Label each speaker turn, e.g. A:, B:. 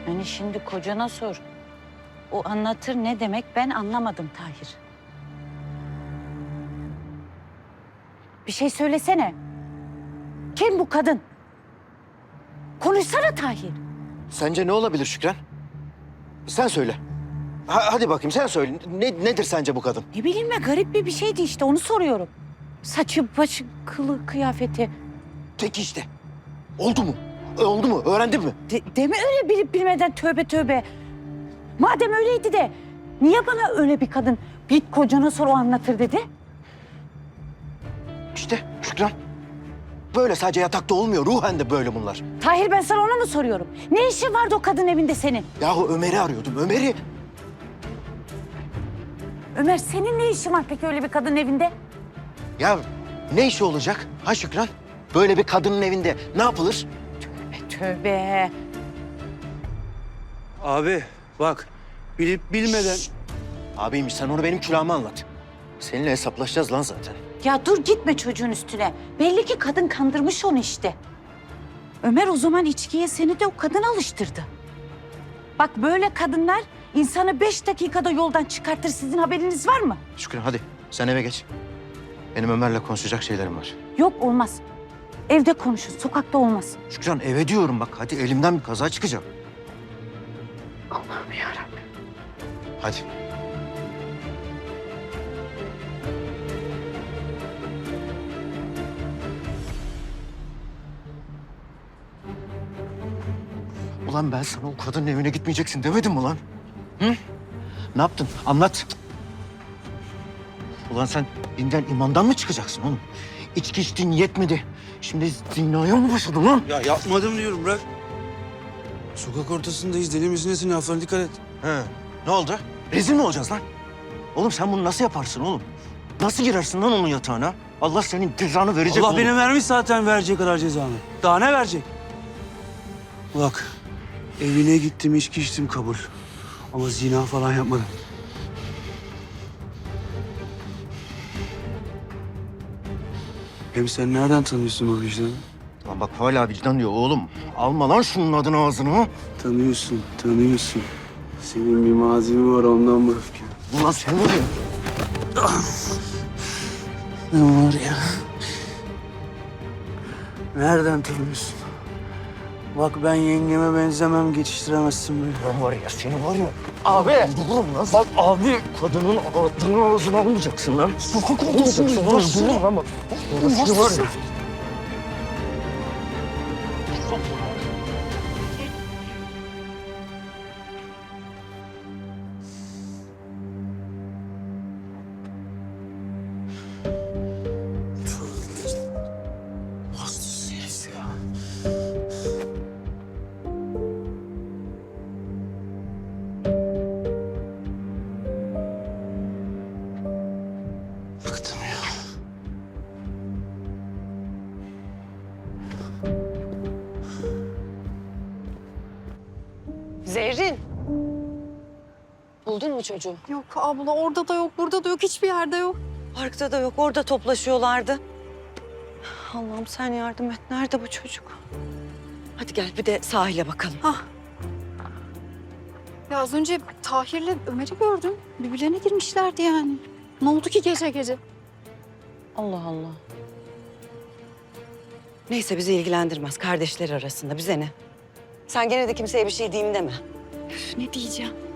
A: Yani şimdi kocana sor. O anlatır ne demek ben anlamadım Tahir. Bir şey söylesene. Kim bu kadın? Konuşsana Tahir.
B: Sence ne olabilir Şükran? Sen söyle. Hadi bakayım sen söyle. Nedir sence bu kadın?
A: Ne bileyim ben garip bir şeydi işte onu soruyorum. Saçı, başı, kılı, kıyafeti.
B: Peki işte. Oldu mu? Oldu mu? Öğrendin mi?
A: Deme öyle bilip bilmeden tövbe tövbe. Madem öyleydi de niye bana öyle bir kadın git kocana sor o anlatır dedi?
B: İşte Şükran. Böyle sadece yatakta olmuyor. Ruhen de böyle bunlar.
A: Tahir ben sana onu mu soruyorum? Ne işin vardı o kadın evinde senin?
B: Yahu Ömer'i arıyordum. Ömer'i.
A: Ömer senin ne işin var peki öyle bir kadının evinde?
B: Ya ne işi olacak? Ha Şükran? Böyle bir kadının evinde ne yapılır?
A: Tövbe.
C: Abi bak bilip bilmeden...
B: Abiymiş sen onu benim külahıma anlat. Seninle hesaplaşacağız lan zaten.
A: Ya dur gitme çocuğun üstüne. Belli ki kadın kandırmış onu işte. Ömer o zaman içkiye seni de o kadın alıştırdı. Bak böyle kadınlar insanı 5 dakikada yoldan çıkartır. Sizin haberiniz var mı?
B: Şükran hadi sen eve geç. Benim Ömer'le konuşacak şeylerim var.
A: Yok olmaz. Evde konuşun, sokakta olmaz.
B: Şükran eve diyorum bak. Hadi elimden bir kaza çıkacak.
A: Allah'ım yarabbim.
B: Hadi. Ulan ben sana o kadının evine gitmeyeceksin demedim mi lan? Hı? Ne yaptın? Anlat. Ulan sen dinden imandan mı çıkacaksın oğlum? İçki içtin yetmedi. Şimdi zinaya mı başladın lan?
C: Ya yapmadım diyorum bırak. Sokak ortasındayız deli misin nesin laflarına dikkat et.
B: He. Ne oldu? Rezil mi olacağız lan? Oğlum sen bunu nasıl yaparsın oğlum? Nasıl girersin lan onun yatağına? Allah senin cezanı verecek
C: Allah
B: oğlum.
C: benim vermiş zaten verecek kadar cezanı. Daha ne verecek? Bak evine gittim içki içtim kabul. Ama zina falan yapmadım. Hem sen nereden tanıyorsun o vicdanı?
B: Lan bak hala vicdan diyor oğlum. Alma lan şunun adını ağzına.
C: Tanıyorsun, tanıyorsun. Senin bir mazimi var ondan bu öfke.
B: Ulan sen var ya.
C: Ne var ya? Nereden tanıyorsun? Bak ben yengeme benzemem, geçiştiremezsin beni.
B: Lan var ya seni var ya. Abi. Vururum lan. Bak abi. Kadının adını ağzına almayacaksın lan. Sokak ortasında lan. Vururum lan bak. Seni var ya.
C: Hastası herif ya. Bıktım ya.
D: Zerrin. Buldun mu çocuğu?
E: Yok abla orada da yok, burada da yok, hiçbir yerde yok.
D: Parkta da yok, orada toplaşıyorlardı. Allah'ım sen yardım et. Nerede bu çocuk? Hadi gel bir de sahile bakalım.
E: Ya az önce Tahir'le Ömer'i gördüm. Birbirlerine girmişlerdi yani. Ne oldu ki gece gece?
D: Allah Allah. Neyse bizi ilgilendirmez. Kardeşler arasında bize ne? Sen gene de kimseye bir şey diyeyim deme.
E: Üf, ne diyeceğim?